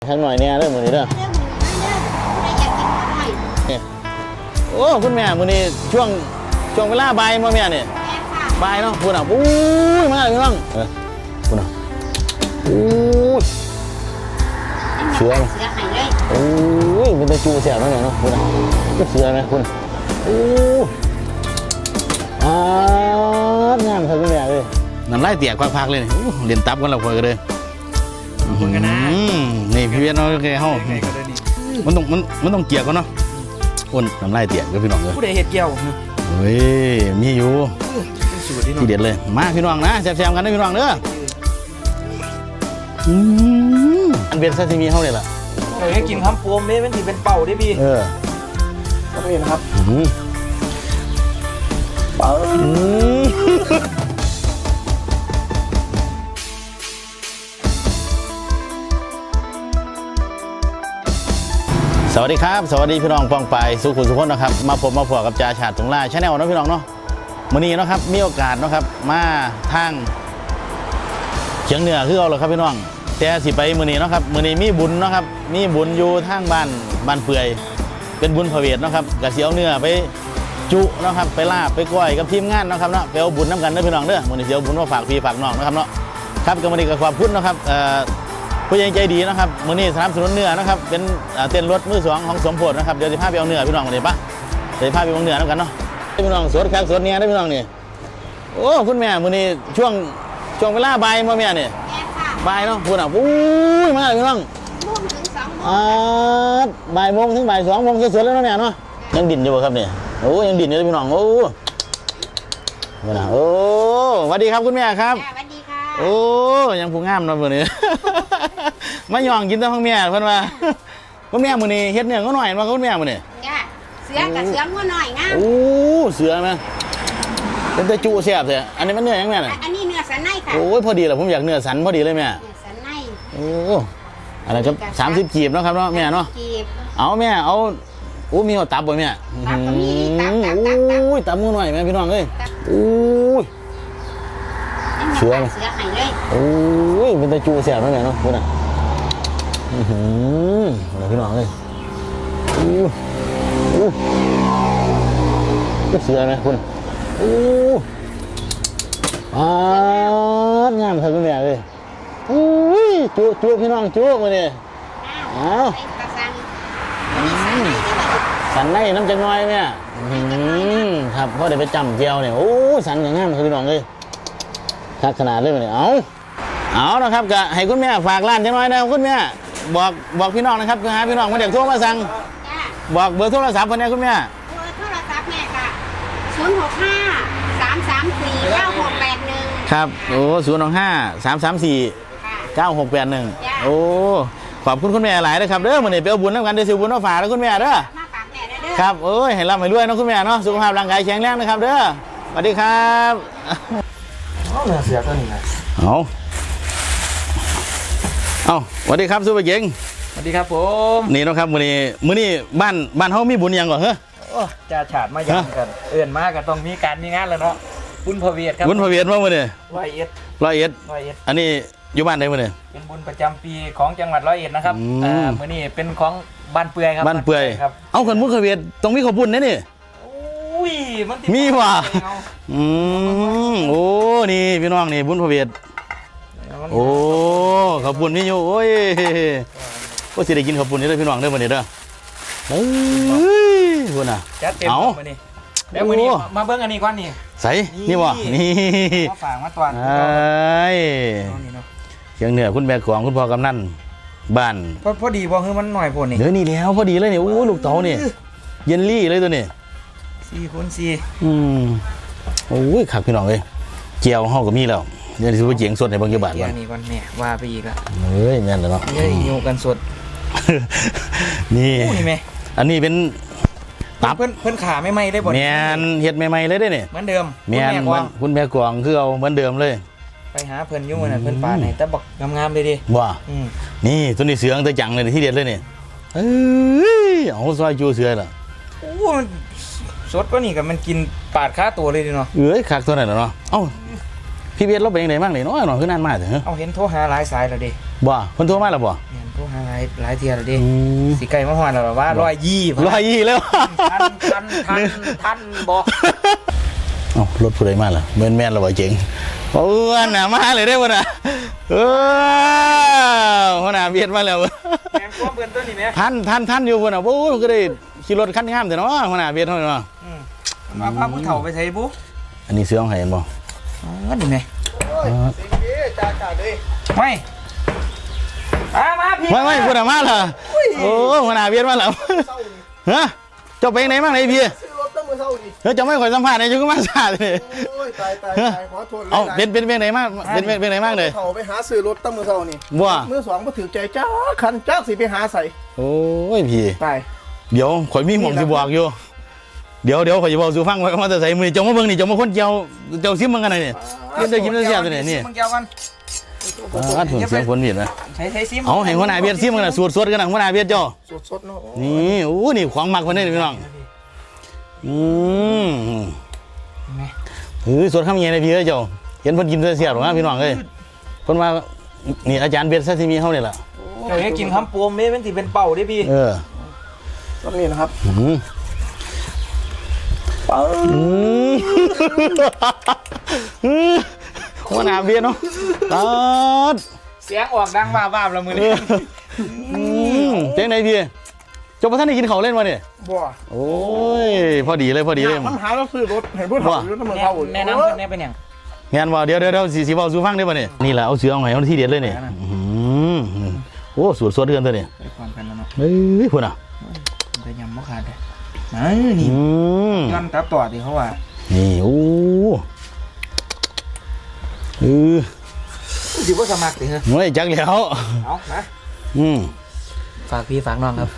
ข้างหน่อยเนี่ยเรื่องมือนี้เด้อโอ้คุณแม่มือนี้ช่วงเวลาบ่ายมาแม่เนี่ยบ่ายเนาะคุณอ่ะอู้ยมาเลยพี่น้องคุณอ่ะอู้เสือไหมโอ้ยเป็นตะจูเสียบไหมเนาะคุณอ่ะเสือไหมคุณอู้งามครับคุณแม่เลยนั่นไล่เตี่ยควักๆเลยเรียนตับกันเราคุยกันเลยนี่พี่เวียนเราแกเฮามันต้องเกี่ยวกันเนาะคนน้ำลายเตี่ยกับพี่น้องเลยผู้ใดเห็ดเกี่ยวเฮ้ยมีอยู่ที่เด็ดเลยมาพี่น้องนะแซมๆกันนะพี่น้องเด้ออันเป็นซาซิมิเฮาเลยล่ะเราให้กินคำโปมนี่มันถือเป็นเป่าได้พี่ก็ไม่เห็นครับเป่าสวัสดีครับสวัสดีพี่น้องปองไปสุขุมสุขนนะครับมาพบกับจ่าฉาดถุงลายชาแนลนะพี่น้องเนาะมื้อนี้นะครับมีโอกาสนะครับมาทางเชียงเหนือคือเอาเลยครับพี่น้องแต่สิไปมื้อนี้นะครับมื้อนี้มีบุญนะครับมีบุญอยู่ทางบ้านเปื่อยเป็นบุญพระเวทนะครับกะสิเอาเนื้อไปจุนะครับไปลาบไปก้อยกับทีมงานนะครับเนาะไปเอาบุญน้ำกันเด้อพี่น้องเด้อมื้อนี้สิเอาบุญมาฝากพี่ฝากน้องนะครับเนาะครับก็มื้อนี้ก็ขอบคุณนะครับผู้ใหญ่ใจดีนะครับมื้อนี้สนับสนุนเนื้อนะครับเป็นเต้นรถมือสองของสมโพธินะครับเดี๋ยวจะพาไปเอาเนื้อพี่น้องเลยปะเดี๋ยวพาไปเอาเนื้อแล้วกันเนาะพี่น้องสดแขกสดเนี่ยได้พี่น้องนี่โอ้คุณแม่มื้อนี้ช่วงเวลาบ่ายมาแม่เนี่ยบ่ายเนาะพูดอ่ะอู้ยมาเลยพี่น้องบ่ายโมงถึงบ่าย2 โมงสดๆแล้วเนาะแม่เนาะยังดิ่นอยู่ครับเนี่ยโอ้ยังดิ่นอยู่เลยพี่น้องโอ้นี่นะโอ้สวัสดีครับคุณแม่ครับสวัสดีค่ะโอ้ยังผู้งามเนาะมื้อนี้มาย่องกินแต่ของแม่เพิ่นว่าคุณแม่มื้อนี้เฮ็ดเนื้อก็หน่อยมาคุณแม่มื้อนี้จ้าเสือกับเสืองัวหน่อยงามโอ้เสือมั้ยเป็นตะจุแซ่บแท้อันนี้มันเนื้อหยังแม่น่ะอันนี้เนื้อสันในค่ะโอ้ยพอดีแหละผมอยากเนื้อสันพอดีเลยแม่เนื้อสันในโอ้อะไรครับ30กีบเนาะครับเนาะแม่เนาะเอาแม่เอาโอ้มีหัวตับบ่แม่โอ้ยตับงัวหน่อยแม่พี่น้องเอ้ยโอ้ยเสือไหมโอ้ยเป็นตะจูแซ่บแม่เนาะคุณอ่ะอะไรพี่น้องเลยเสือไหมคุณงามครับคุณแม่เลยจุพี่น้องจุมาเนี่ยสันในน้ำจังน้อยแม่ครับเพราะเดี๋ยวไปจำเจียวเนี่ยโอ้สันอย่างงามครับพี่น้องเลยทักขนาดเลยมาเนี่ยเอานะครับก็ให้คุณแม่ฝากร้านจังน้อยนะคุณแม่บอกพี่น้องนะครับหาพี่น้องมาเดี๋ยวโทรมาสั่งบอกเบอร์โทรศัพท์คนนี้คุณแม่เบอร์โทรศัพท์แม่ค่ะ065-334-9681 ครับโอ้065-334-9681โอ้ขอบคุณคุณแม่หลายนะครับเด้อมื้อนี้ไปเอาบุญนำกันได้สิบุญมาฝากแล้วคุณแม่เด้อครับโอ้ยให้ร่ำให้รวยเนาะคุณแม่เนาะสุขภาพร่างกายแข็งแรงนะครับเด้อสวัสดีครับเสือตัวนี้นะเอาสวัสดีครับซุปเปอร์เก่งสวัสดีครับผมนี่นะครับมื้อนี้บ้านเฮามีบุญยังก่อนเหรอโอ้จ่าฉาดมายังกันเอื่นมากันต้องมีการมีงานแล้วเนาะบุญพระเวทครับบุญพระเวทมามื้อนี้ 101 อันนี้อยู่บ้านใดมื้อนี้เป็นบุญประจำปีของจังหวัด101นะครับมื้อนี้เป็นของบ้านเปื่อยครับบ้านเปื่อยเอาคนบุญพระเวทต้องมีข้าวปุ้นนะนี่อุ้ยมันมีว่ะโอ้นี่พี่น้องนี่บุญพระเวทโอ้ข้าวปุ้นมีอยู่โอ้ยก็สิได้กินข้าวปุ้นนี่เลยพี่น้องเด้อมื้อนี้เด้อเฮ้ยพุ่นน่ะจัดเต็มมื้อนี้เดี๋ยวมื้อนี้มาเบิ่งอันนี้ก่อนนี่ใส่นี่บ่นี่มาฝากมาตอนเชียงเหนือคุณแม่ของคุณพ่อกำนันบ้านพอดีบ่คือมันหน่อยพุ่นนี่เดี๋ยวนี่แล้วพอดีเลยนี่โอ้ลูกเต๋านี่เยลลี่เลยตัวนี้ 4x4 โอ้ยขักพี่น้องเอ้ยเจียวเฮาก็มีแล้วเดี๋ยวสิไปเจียงสดให้เบิ่งอยู่บาทก่อนนี่ก่อนแม่ว่าไปอีกละเฮ้ยแม่นแล้วเนาะเฮ้ยอยู่กันสดนี่แม่อันนี้เป็นตับเพิ่นขาไม่ไหม้ได้บ่แม่นเฮ็ดใหม่ๆเลยได้นี่เหมือนเดิมแม่นคุณแม่กวางคือเอาเหมือนเดิมเลยไปหาเพิ่นอยู่มื้อนั้นเพิ่นปาให้แต่บักงามๆเลยดิว่านี่ตัวนี้เสืองแต่จังเลยที่เด็ดเลยนี่เอ้ยเอาซอยจูเสือล่ะโอ้สดกว่านี่ก็มันกินปาดขาตัวเลยดิเนาะคักตัวนั้นเนาะเอ้าพี่เบียดเราเป็นยังไงบ้างนี่น้อยหน่อยคือนานมากเถอะเอาเห็นโทรหาหลายสายแล้วดิบ่เพิ่นโทรมาแล้วบ่เพิ่ทุกหลายเทียแล้วดิสีไก่มาหอนแล้วว่า120 แล้วทันบอกเอ้ารถผู้ใดมาล่ะแม่นๆแล้วบ่เจ๋งเอื้อนน่ะมาเลยได้บ่น่ะหัวหน้าเบียดมาแล้วแมงก้มเพื่อนต้นนี่ไหมท่านอยู่บ่น่ะโอ้ยก็ได้ขี่รถคันงามแต่เนาะหัวหน้าเบียดเฮาเนาะมาพาผู้เฒ่าไปใช้บุ๊อันนี้เสื้อของใครเห็นบ่นี่ไหมไม่มาพี่ไม่พูดมาล่ะโอ้หัวหน้าเบียดมาแล้วฮะเจ้าไปไหนมาไหนพี่ซื้อรถตั้งมือเท่าดิเฮ้ยเจ้าไม่ค่อยสัมภาษณ์เลยจุกมาซาเลยโอ้ยตายขอโทษเลยเอาเป็นไหนมากเป็นไหนมากเลยเขาไปหาซื้อรถตั้งมือเท่านี่บัวมือสองมาถือใจจ้าคันจ้าสิไปหาใส่โอ้ยพี่ตายเดี๋ยวข่อยมีหม่องสิบอกอยู่เดี๋ยวข่อยจะบอกสู่ฟังไว้ว่าจะใส่มือเจ้ามาเบิ่งนี่เจ้ามาคนเจ้าซิมมันกันไหนนี่กินได้กินได้เสียบตัวนี่มึงเกี่ยวกันอัดถุงเสียงคนเบียดนะใช้ซิมเอาให้หัวหน้าเบียดซิมกันนะสวดกันนะหัวหน้าเบียดเจ้าสดๆเนาะนี่โอ้นี่ของมักคนนี้พี่น้องสวดข้ามเย็นเลยพี่เอ้ยเจ้าเห็นเพิ่นกินเสียบหรอพี่น้องเอ้ยเพิ่นมานี่อาจารย์เบียดซาซิมิเฮานี่แหละเดี๋ยวกินคำปูมนี่มันสิเป็นเป่าดิพี่ตอนนี้นะครับหัวหน้าเบียดเนาะตัดเสียงออกดังบ้าๆละมือนี่เจ๊งไหนพี่เจ้าพระท่านได้กินเขาเล่นมาเนี่ยบัวโอ้ยพอดีเลยมันหาเราซื้อรถเห็นพูดเท่าอยู่ตั้งมือเท่าแนะนำเพื่อนแนะเป็นอย่างงานว่าเดี๋ยวสีบอลสูฟังได้ป่ะเนี่ยนี่แหละเอาเสือเอาไงเอาที่เด็ดเลยเนี่ยโอ้สวดเดือนตัวเนี่ยไปความกันแล้วเนาะเฮ้ยพูดอ่ะไปยำมะขาดเลยนี่ย้อนตับต่อดิเขาว่านี่โอ้ดิว่าสมัครดิเหรอไม่จักแล้วเอานะ ฝากพี่ฝากน้องครับ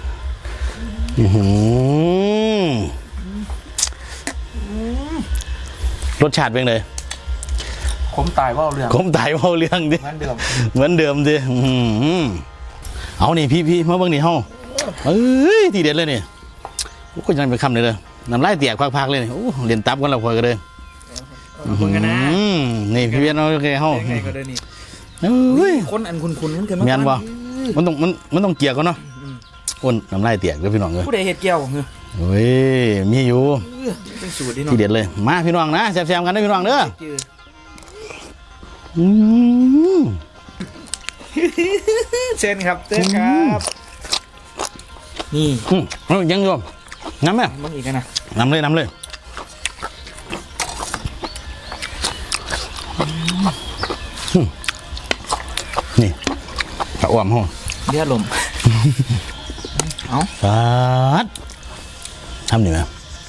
รสชาติเป็นไงผมตายว่าเรื่องผมตายเบาเรื่องดิเหมือนเดิมดิเอานี่พี่มาเบิ่งนี่เฮาทีเด็ดเลยนี่โอ้ยยังเป็นคำเลยน้ำลายเตียกพักๆเลยโอ้เรียนตับกันแล้วพอยกันเลยคุณกันนะนี่พี่เวียนเอาโอเคเฮาไงก็ได้นี่เฮ้ยคนอันคุณนั่นกันแม่นบ่มันต้องเกี่ยวกันเนาะอ้นน้ำลายเตียกเด้อพี่น้องเอ้ยผู้ใดเห็ดเกี่ยวเหรอโอ้ยมีอยู่เป็นสูตรดิเนาะทีเด็ดเลยมาพี่น้องนะแซ่บๆกันเด้อพี่น้องเด้อเชิญครับเชิญครับนี่ยังอยู่น้ำไหมมึงอีกนะน้ำเลยนี่ตะอ้วมห้องเลือดลมเอาฟาดทำดีไหม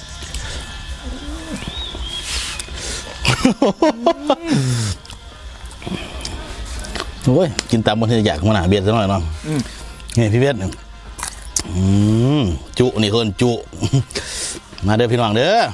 โอ้ยกินตามบนที่อยากมาหนาเบียดซะหน่อยเนาะนี่พี่เบียดจุนี่คนจุมาเด้อพี่น้องเด้อ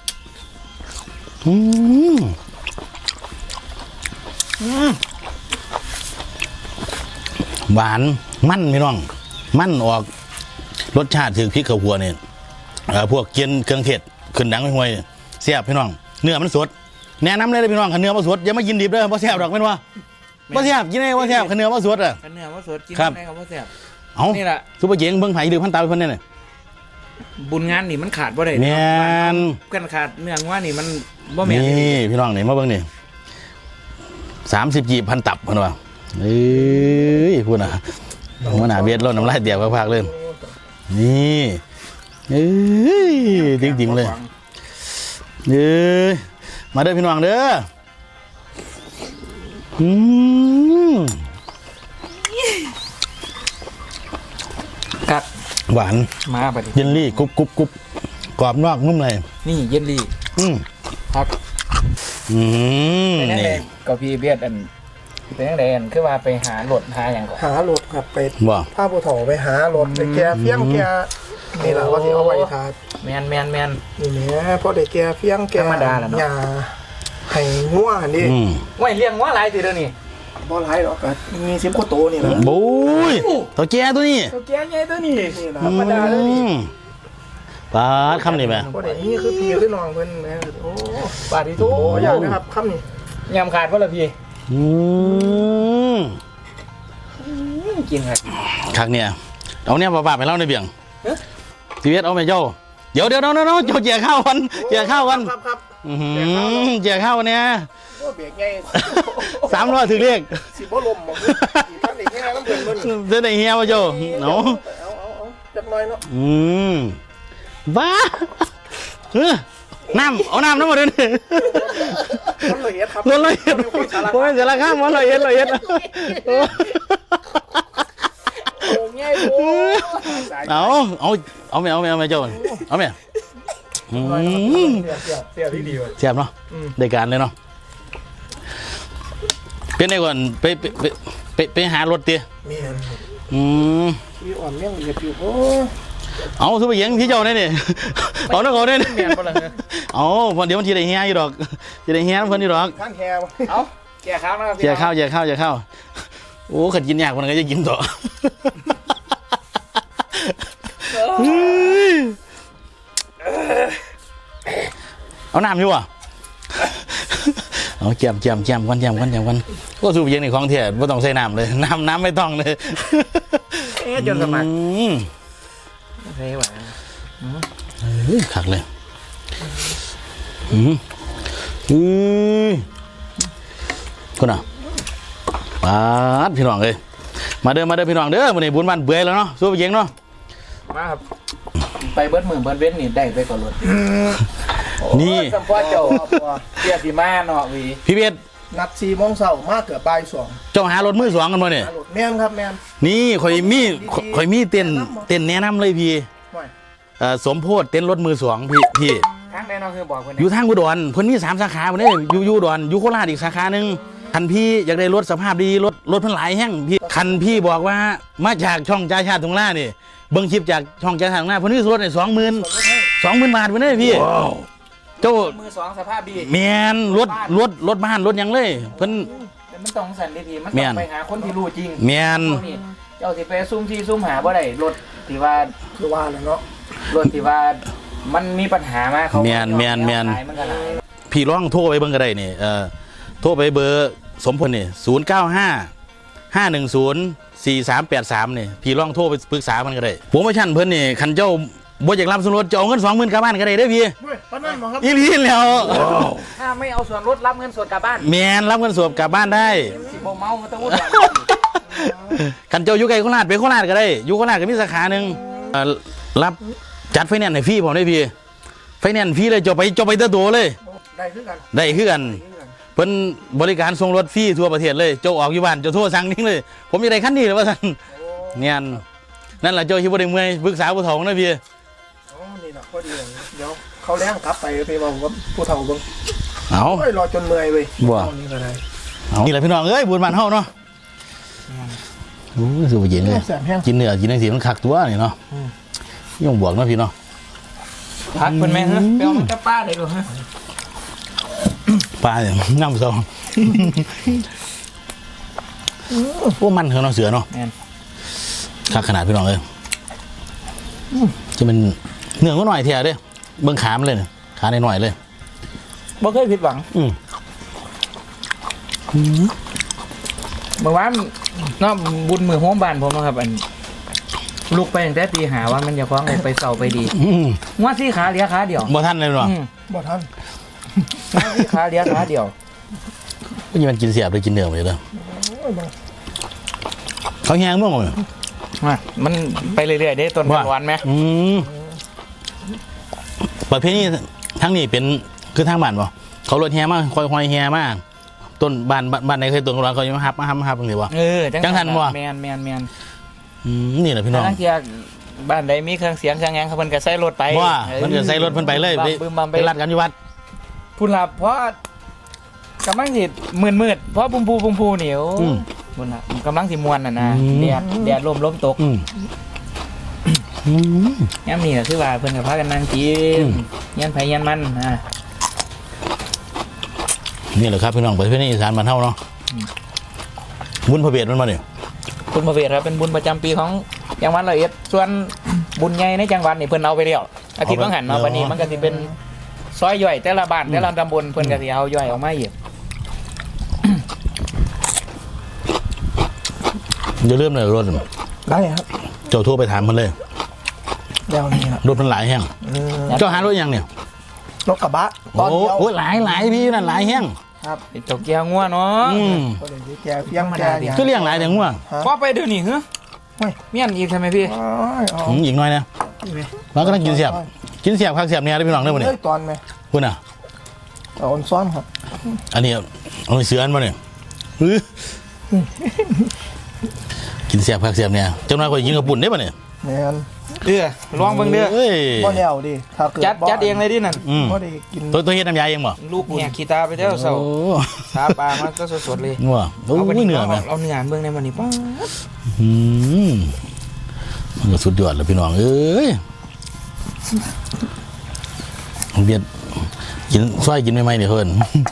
หวานมันพี่น้องมันออกรสชาติถึงพริกข้าวคั่วเนี่ยพวกเกี๊ยนเครื่องเทศขึ้นดังห่วยเสียบพี่น้องเนื้อมันสดแนะนำเลยพี่น้องขันเนื้อมาสดอย่ามากินดิบเด้อเพราะเสียบดอกเป็นว่าเพราะเสียบกินได้เพราะเสียบขันเนื้อมาสดอ่ะขันเนื้อว่าสดกินครับได้ครับว่าแซ่บเอานี่แหละซุปเปอร์เจ๋งเบิ่งไผ่ดื้อพันตาเพิ่นเนี่ยบุญงานนี่มันขาดบ่ได้แม่นกันขาดเนื่องว่านี่มันบ่แม่นนี่พี่น้องนี่มาเบิ่งนี่30 กีบพันตับเพิ่นว่าเอ้ยพูดน่ะหัวหน้าเบียดร้อนน้ำลายเตียกพักๆเลยนี่เอ้ยจริงๆเลยมาเด้อพี่น้องเด้อกัดหวานมาบัดนี้เยลลี่กรุบกรอบนอกนุ่มในนี่เย็นดีครับเป็นยังไงนี่ก็พี่เบียดอันเป็นยังไงอันคือว่าไปหาโหลดหาอย่างก่อนหารถครับไปบ่ผ้าปูเถาไปหารถไปแกเฟี้ยงแกนี่แหละว่าที่เอาไว้ทาแมนนี่แหละพอได้แกเฟี้ยงแกธรรมดาแหละเนาะยาให้ง่วงนี่ว่าเลี้ยงว่าอะไรทีเดียวนี่บ่หลายหรอกก็มี10กว่าโตนี่แหละบุ้ยตัวแก่ตัวนี้ตัวแก่ใหญ่ตัวนี้นี่แหละธรรมดาเลยนี่ปาดคำนี้ไหมบ่ได้นี่คือพี่คือน้องเพิ่นนะโอ้บาดที่ทุกโหอย่างนะครับคำนี้ยำขาดเพราะละพี่กินครับคักเนี่ยเอาเนี่ยบ้าๆไปเล่าในเบี่ยงทีเวสเอาไปเจ้าเดี๋ยวน้องเจ้าเจียข้าวกันเจียข้าวกันครับเจียข้าวเนี่ยก็เบรกไง 300ถึงเรียกสิบ่ลมบ่สิท่านได้แค่น้ำเดือดมันเส้นไหนเฮียมาเจ้าเนาะเอาจักหน่อยเนาะบ้าน้ำเอาน้ำมาด้วยนี่มันละเอียดครับมันละเอียดโอ้ยเสียราคามันละเอียดโอ้ยง่ายโว้เอาไม่เจ้าเอาไม่เสียดีว่ะเสียบเนาะได้การเลยเนาะเป็นไงก่อนไปหารถเตี้ยมีอัน มีอ่อนเมี่ยงเหยียบอยู่โอ้เอาทุบไปเยียงที่เจ้าเนี่ยเอาน้องเขาเนี่ยเมียนบ่ล่ะเนี่ยเอาเดี๋ยวมันทีได้เฮียอยู่ดอกทีได้เฮียเพิ่นอยู่ดอกข้างแคบเอาแก่ข้าวนะครับเจียข้าวโอ้ขัดกินยากคนก็จะกินต่อเอาน้ำอยู่อ่ะเอาแจมกันก็สูบเย็นในของเถี่ยไม่ต้องใส่น้ำเลยน้ำไม่ต้องเลยจนสมัครเฮ้ยหวานขักเลยคุณอ่ะปาดพี่น้องเลยมาเด้อพี่น้องเด้อวันนี้บุญบ้านเบื่อแล้วเนาะสู้ไปเย็นเนาะมาครับไปเบิดมือเบิดเว้นนี่ได้ไปก่อนรถนี่สัมพ่อเจ้าเกียรติมาเนาะวีพี่เบสนัด4 โมงเช้ามากเกือบบ่าย 2 เจ้าหารถมือ2กันมาเนี่ยแม่นครับแม่นนี่ข่อยมีเต้นแนะนำเลยพี่ห่วยสมโพธิเต้นรถมือ2พี่ทางแน่นอนคือบอกคนอยู่ทางอุดรเพิ่นมี3สาขาบ่ได้อยู่อุดรอยู่โคราชอีกสาขานึงคันพี่อยากได้รถสภาพดีรถเพิ่นหลายแห้งพี่คันพี่บอกว่ามาจากช่องจ่าชาติตรงล่านี่เบิ่งคลิปจากช่องจ่าชาติตรงล่าเพิ่นมีรถได้20,000 บาทบ่ได้พี่เจ้ามือสองสภาพดีแม่นรถบ้านรถหยังเลยเพิ่นแต่มันต้องสันดีๆมันต้องไปหาคนที่รู้จริงแม่นเจ้าสิไปซุ่มหาบ่ได้รถที่ว่าคือว่าแล้วเนาะรถที่ว่ามันมีปัญหามาเขาแม่นมันก็หลายพี่ลองโทรไปเบิ่งก็ได้นี่โทรไปเบอร์สมพลนี่095-510-4383นี่พี่ลองโทรไปปรึกษามันก็ได้โปรโมชั่นเพิ่นนี่คันเจ้าบ่อยากรับส่วนลดจะเอาเงิน 20,000กลับบ้านก็ได้เด้อพี่เฮ้ยปานนั้นบ่ครับอีหลีแล้วถ้าไม่เอาส่วนลดรับเงินสดกลับบ้านแม่นรับเงินสดกลับบ้านได้สิบ่เมามันต้องวุ่นวายคันเจ้าอยู่ไกลโคราชไปโคราชก็ได้อยู่โคราชก็มีสาขาหนึงรับจัดไฟแนนซ์ให้ฟรีผมได้พี่ไฟแนนซ์ฟรีเลยเจ้าไปเตอร์โตเลยได้คือกันได้คือกันเพิ่นบริการส่งรถฟรีทั่วประเทศเลยเจ้าออกอยู่บ้านเจ้าโทรสั่งนิ่งเลยผมอยากได้คันนี้เลยว่าซั่นเนี่ยนั่นแหละเจ้าคิดบ่ได้เมื่อยปรึกษาผู้เฒ่านะพี่อ๋อนี่เนาะพอดีเลยเดี๋ยวเขาแล้งกลับไปเว้ากับผู้เฒ่าเบิ่งเอาโอ้ยรอจนเมื่อยเว้ยบ่นี่ก็ได้เอานี่แหละพี่น้องเอ้ยบุญบ้านเฮาเนาะโอ้ยสู้บ่เย็นเลยแสบแห้งกินเนื้อกินจังซี่มันคักตัวนี่เนาะย่องบวกเนาะพี่เนาะพักเพิ่นแม่ฮะไปเอามันกับป้าได้บ่ฮะปลาเนี่ยน้ำซองพวกมันเนาะเสือเนาะแม่นคักขนาดพี่น้องเอ้ยจะเป็นเนื้อก็หน่อยเทียเด้เบิ่งขามันเลยเนี่ยขาหน่อยๆเลยบ่เคยผิดหวังเมื่อวานเนาะบุญมือโฮมบ้านผมเนาะครับอันลูกไปตั้งแต่ตีหาว่ามันจะคว้างไปเสาไปดีงัวสี่ขาเหลือขาเดียวบ่ทันเลยเนาะบ่ทันงัวสี่ขาเหลือขาเดียวก็ยังมันกินเสียบเลยกินเนื้อไปเลยโอ้ยบ่เขาแห้งมั้งเลยมันไปเรื่อยๆได้ต้นหวานไหมประเภทนี้ทั้งนี้เป็นคือทางบ้านบ่เขารถแห่มาคอยแห่มาต้นบ้านไหนเคยต้นกระดอนเขายังมาฮับตรงนี้บ่ จังทันบ่แมนนี่แหละพี่น้องทั้งเทียบ้านใดมีเครื่องเสียงเครื่องแงงเขาเพิ่นก็ใส่รถไปว่ามันก็ใส่รถเพิ่นไปเลยไปรัดกันอยู่วัดพุ่นล่ะเพราะกำลังสิมืดเพราะบุมพูนี่โอ้พุ่นล่ะกำลังสิม่วนน่ะนะแดดลมตกย่ำนี่ก็คือว่าเพิ่นก็พากันนั่งกินยันไผยันมันนี่แหละครับพี่น้องประเภทนี้อีสานบ้านเฮาเนาะบุญพระเบียดมันมาเนี่ยบุญพระเวทครับเป็นบุญประจำปีของจังหวัดร้อยเอ็ดส่วนบุญใหญ่ในจังหวัดนี่เพิ่นเอาไปแล้วอาทิตย์บางหันเนาะวันนี้มันก็สิเป็นซอยย่อยแต่ละบ้านแต่ละตำบลเพิ่นก็สิเอาย่อยออกมาอีกอย่าลืมเลยรถได้ครับเจ้าโทรไปถามมันเลยแล้วนี่ครับรถมันหลายแห้งเจ้าหารถยังเนี่ยรถกระบะตอนเดียวโอ้หลายพี่นั่นหลายแห้งครับเจ้าแก้วงัวเนาะก็เลยแกเฟี้ยงแกอย่างก็เลี้ยงหลายแต่ง่วงพอไปเดี๋ยวนี้เหรอเฮ้ยเมียนอีกใช่ไหมพี่อีกหน่อยนะมันก็ต้องกินเสียบข้างเสียบเนี่ยได้พี่น้องได้ป่ะเนี่ยเฮ้ยตอนไหมคุณอ่ะเอาอ่อนซ้อนครับอันนี้เอาไปเสืออันมาเนี่ยกินเสียบข้างเสียบเนี่ยเจ้าน้อยก็ยิงกระปุ่นได้ป่ะเนี่ยแมนลองเบิ่งเด้อเอ้ยบ่แนวดิถ้าเกิดจัดเองเลยดินั่นบ่ได้กินตัวเฮ็ดน้ำยาเองบ่ลูกเนี่ยขี้ตาไปเจ้าเสาโอ้ตาปลามันก็สดๆเลยงัวโอ้ยเหนื่อยไหมเอาเนื้อเบิ่งในมันนี่ป้ามันก็สุดยอดเลยพี่น้องเอ้ยเบียดกินซอยกินไม่ไหมเนี่ยเพิ่น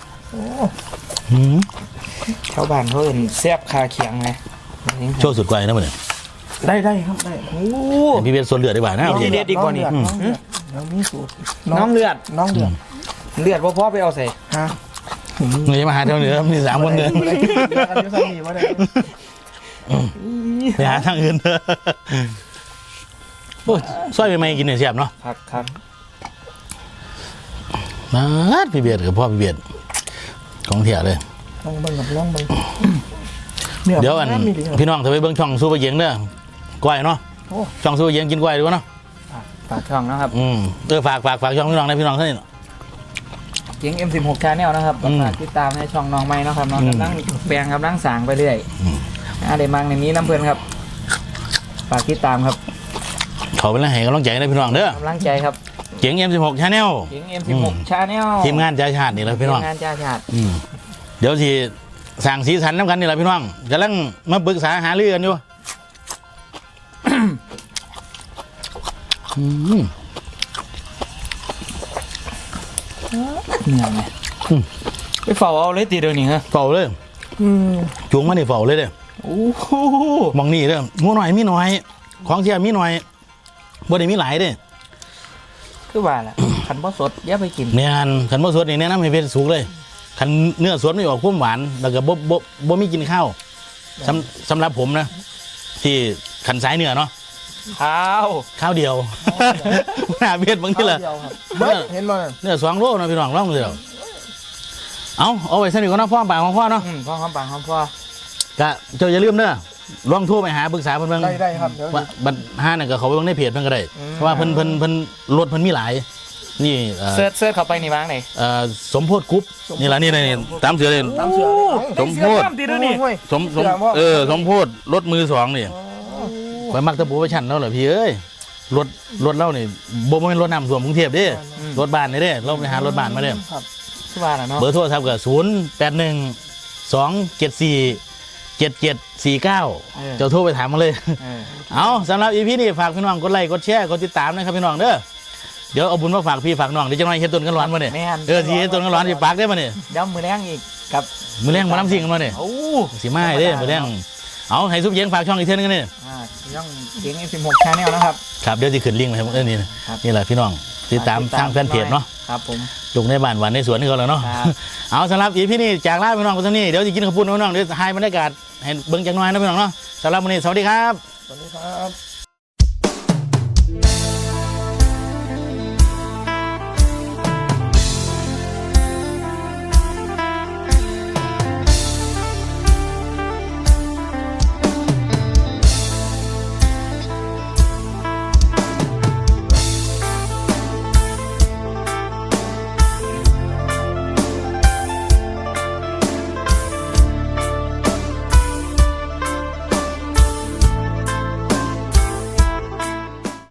ชาวบ้านเขาเอิ้นแซ่บคาเคียงไงโชว์สุดไกลนะมันเนี่ยได้ครับได้โอ้พี่เบียดส่วนเหลือดีกว่านะทีเด็ดดีกว่านี่น้องมีสูตรน้องเลือดน้องเดือดเลือดบ่พอไปเอาใส่ฮะนี่มาหาเท่าเหนือมี3คนเดินบ่ได้กินเดือดกันอยู่ซ้ำนี่บ่ได้ไปหาทางอื่นโอ้ยซอยไม่ไหมกินเนี่ยเสียบเนาะครับมาดพี่เบียดกับพ่อพี่เบียดของเถี่ยเลยลองเบิ่งกับลองเบิ่งเดี๋ยวอันมีดีครับพี่น้องถ้าไปเบิ่งช่องซูเปอร์เยียงเด้อก้อยเนาะโอ้ช่องซูเปอร์เยียงกินก้อยดูวะเนาะฝากช่องนะครับฝากช่องพี่น้องนะพี่น้องท่านนี่เกียง M16 Channel นะครับฝากติดตามในช่องน้องไม้นะครับน้องกำลังแปลงกำลังสร้างไปเรื่อยอะไรมังในนี้น้ำเพื่อนครับฝากติดตามครับขอเป็นแรงให้กำลังใจนะพี่น้องเด้อกำลังใจครับเจ๋ง M16 Channel เกียง M16 Channel ทีมงานใจชาตินี่แหละพี่น้องทีมงานจ้าชาติเดี๋ยวที่สั่งสีสันน้ำกันนี่แหละพี่น้องกำลังมาปรึกษาหารือกันอยู่เหนื่อยไหมไปเฝ้าเอาเลยตีเดี๋ยวนี้ฮะเฝ้าเลยจุงมานี่เฝ้าเลยเด้อโอ้โหมองนี่เด้องูหน่อยมีหน่อย ของเสียมีหน่อยบ่ได้มีหลายเด้อคือว่าแหละขันบ่สดอย่าไปกินแม่นขันบ่สดนี่แนะนำให้เป็นสุกเลยขันเนื้อสดไม่ออกความหวานแล้วก็บ่มีกินข้าวสำหรับผมนะ ที่ขันสายเนื้อเนาะข้าวเดียวหน้าเบียดบางทีละเดียวครับเบิ่งเห็นบ่นั่นเนื้อ2 โลนะพี่น้องลองเดียวเอาไว้สนิทกันนะพ่อปากของพ่อเนาะพ่อคำปังคำพ่อก็เจ้าอย่าลืมเด้อลองโทรไปหาปรึกษาเพิ่นเบิ่งได้ครับเดี๋ยวว่าบัดห้านั่นก็เขาไปเบิ่งในเพจเพิ่นก็ได้เพราะว่าเพิ่นรถเพิ่นมีหลายนี่เซิร์ชเข้าไปนี่บ้างไหนสมโพธิกรุ๊ปนี่ล่ะนี่ตามเสือเลยตามเสือเลยสมโพธิตีด้วยนี่สมสมโพธิรถมือ2นี่ไปมักตะปูไปชั้นแล้วเหรอพี่เอ้ยรถเล่านี่บ่แม่นรถน้ำท่วมกรุงเทพเด้รถบ้านนี่เด้เราไปหารถบ้านมาเด้ครับคือว่าน่ะเนาะเบอร์โทรศัพท์ก็081-274-7749เจ้าโทรไปถามมาเลย เอาสำหรับ EP นี้ฝากพี่น้องกดไลค์กดแชร์กดติดตามนะครับพี่น้องเด้อเดี๋ยวเอาบุญมาฝากพี่ฝากน้องเดี๋ยวจะมาเฮ็ดต้นกันร้อนมาเนี่ยสิเฮ็ดต้นกันร้อนสิปากได้มาเนี่ยเดี๋ยวมือแรงอีกกับมือแรงมาน้ำสิ่งกันมาเนี่ยโอ้สิมาให้เด้มือแรงเอาให้ซุปเย็นฝากช่องอีกเท่านึงกันเนี่ยย่องเกียง M16 Channel นะครับครับเดี๋ยวจะขึ้นลิงก์มาให้ผมนี่นี่แหละพี่น้องติดตามทางแฟนเพจเนาะครับผมลูกในบ้านหวานในสวนนี่ก็แล้วเนาะครับเอาสำหรับ EP นี้จากลาพี่น้องคนนี้เดี๋ยวจะกินข้าวปุ้นพี่น้องเดี๋ยวให้บรรยากาศให้เบิ่งจักหน่อยนะพี่น้องเนาะสำหรับวันนี้สวัสดีครับสวัสดีครับ